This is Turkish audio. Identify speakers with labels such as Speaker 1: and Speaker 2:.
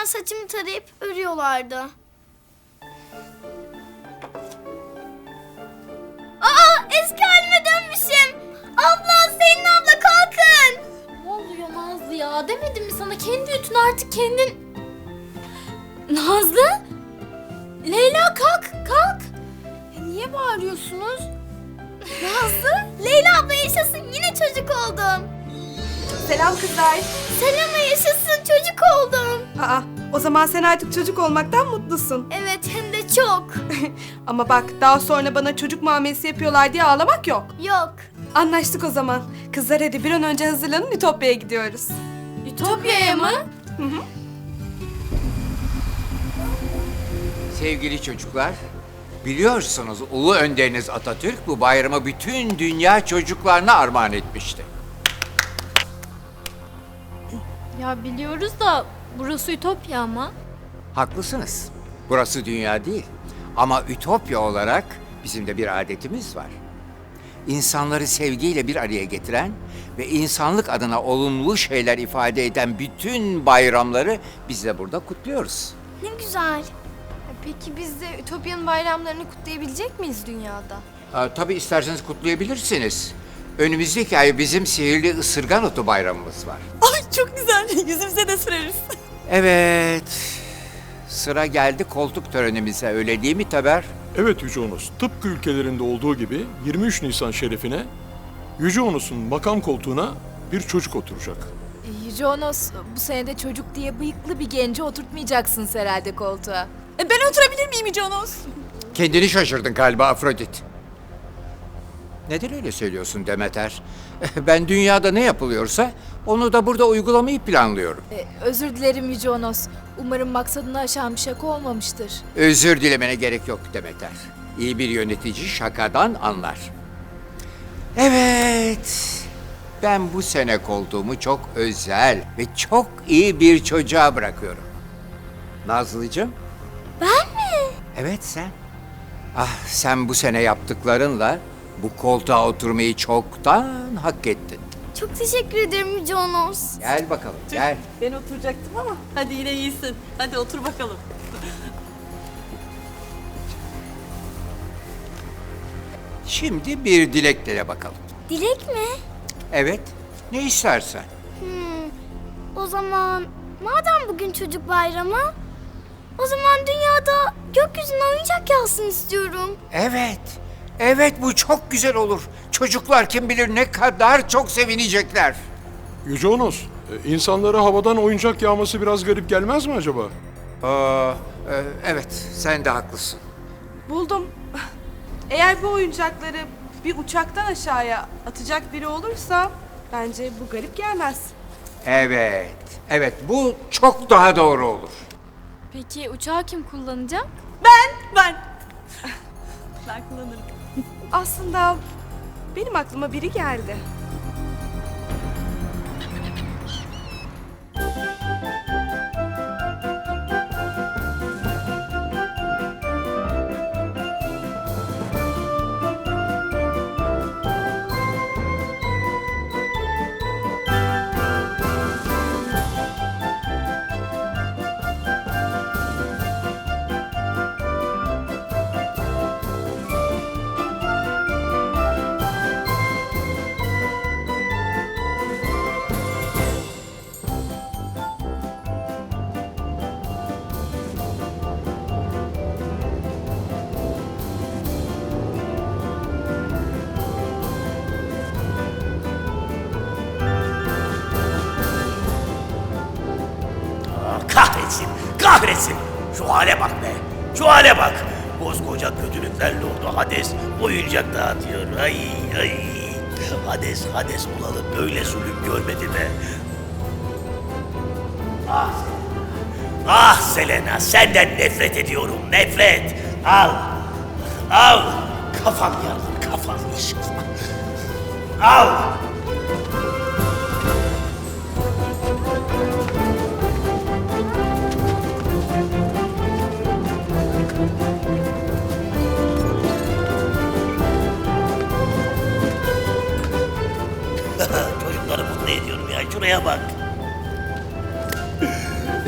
Speaker 1: yüzden saçımı tarayıp örüyorlardı. Aa, eski halime dönmüşüm. Abla, Selin abla kalkın.
Speaker 2: Ne oluyor Nazlı ya? Demedim mi sana kendi ütünü artık kendin... Nazlı? Leyla kalk, kalk. Niye bağırıyorsunuz?
Speaker 1: Nazlı, Leyla abla yaşasın, yine çocuk oldum.
Speaker 3: Selam kızlar.
Speaker 1: Selena yaşasın, çocuk oldum.
Speaker 3: Aa, o zaman sen artık çocuk olmaktan mutlusun.
Speaker 1: Evet, hem de çok.
Speaker 3: Ama bak, daha sonra bana çocuk muamelesi yapıyorlar diye ağlamak yok.
Speaker 1: Yok.
Speaker 3: Anlaştık o zaman. Kızlar hadi bir an önce hazırlanın, Ütopya'ya gidiyoruz.
Speaker 2: Ütopya'ya mı?
Speaker 4: Sevgili çocuklar, biliyorsunuz Ulu Önderiniz Atatürk bu bayramı bütün dünya çocuklarına armağan etmişti.
Speaker 2: Ya biliyoruz da burası Ütopya ama.
Speaker 4: Haklısınız. Burası dünya değil. Ama Ütopya olarak bizim de bir adetimiz var. İnsanları sevgiyle bir araya getiren ve insanlık adına olumlu şeyler ifade eden bütün bayramları biz de burada kutluyoruz.
Speaker 1: Ne güzel.
Speaker 5: Peki biz de Ütopya'nın bayramlarını kutlayabilecek miyiz dünyada?
Speaker 4: Tabii isterseniz kutlayabilirsiniz. Önümüzdeki ay bizim sihirli ısırgan otu bayramımız var.
Speaker 6: Ay çok güzel. Yüzümüze de süreriz.
Speaker 4: Evet. Sıra geldi koltuk törenimize, öyle değil mi Taber?
Speaker 7: Evet Yüce Onus, tıpkı ülkelerinde olduğu gibi 23 Nisan şerefine Yüce Onus'un makam koltuğuna bir çocuk oturacak.
Speaker 8: Yüce Onos, bu sene de çocuk diye bıyıklı bir genci oturtmayacaksın herhalde koltuğa.
Speaker 6: Ben oturabilir miyim Yüce Onos?
Speaker 4: Kendini şaşırdın galiba Afrodit. Neden öyle söylüyorsun Demeter? Ben dünyada ne yapılıyorsa onu da burada uygulamayı planlıyorum.
Speaker 8: Özür dilerim Yüce Onos. Umarım maksadını aşan bir şaka olmamıştır.
Speaker 4: Özür dilemene gerek yok Demeter. İyi bir yönetici şakadan anlar. Evet. Ben bu sene koltuğumu çok özel ve çok iyi bir çocuğa bırakıyorum. Nazlıcığım.
Speaker 1: Ben mi?
Speaker 4: Evet sen. Ah, sen bu sene yaptıklarınla bu koltuğa oturmayı çoktan hak ettin.
Speaker 1: Çok teşekkür ederim Yüce Onos.
Speaker 4: Gel bakalım, gel.
Speaker 6: Ben oturacaktım ama hadi yine iyisin. Hadi otur bakalım.
Speaker 4: Şimdi bir dilek dile bakalım.
Speaker 1: Dilek mi?
Speaker 4: Evet, ne istersen.
Speaker 1: O zaman madem bugün çocuk bayramı, o zaman dünyada gökyüzüne oyuncak yağsın istiyorum.
Speaker 4: Evet, evet bu çok güzel olur. Çocuklar kim bilir ne kadar çok sevinecekler.
Speaker 7: Yüce Onus, insanlara havadan oyuncak yağması biraz garip gelmez mi acaba?
Speaker 4: Evet, sen de haklısın.
Speaker 3: Buldum. Eğer bu oyuncakları bir uçaktan aşağıya atacak biri olursa bence bu garip gelmez.
Speaker 4: Evet, evet bu çok daha doğru olur.
Speaker 2: Peki uçağı kim kullanacak?
Speaker 6: Ben. Ben kullanırım.
Speaker 3: Aslında benim aklıma biri geldi.
Speaker 9: Kahretsin, kahretsin. Şu hale bak be, şu hale bak. Koskoca kötülükler Lordu Hades oyuncak dağıtıyor. Ay ay. Hades, Hades olalı böyle zulüm görmedi be. Ah, ah Selena, senden nefret ediyorum, nefret. Al, al. Kafam yarılır, kafam inşallah. Al. Çocukları mutlu ediyorum ya. Şuraya bak.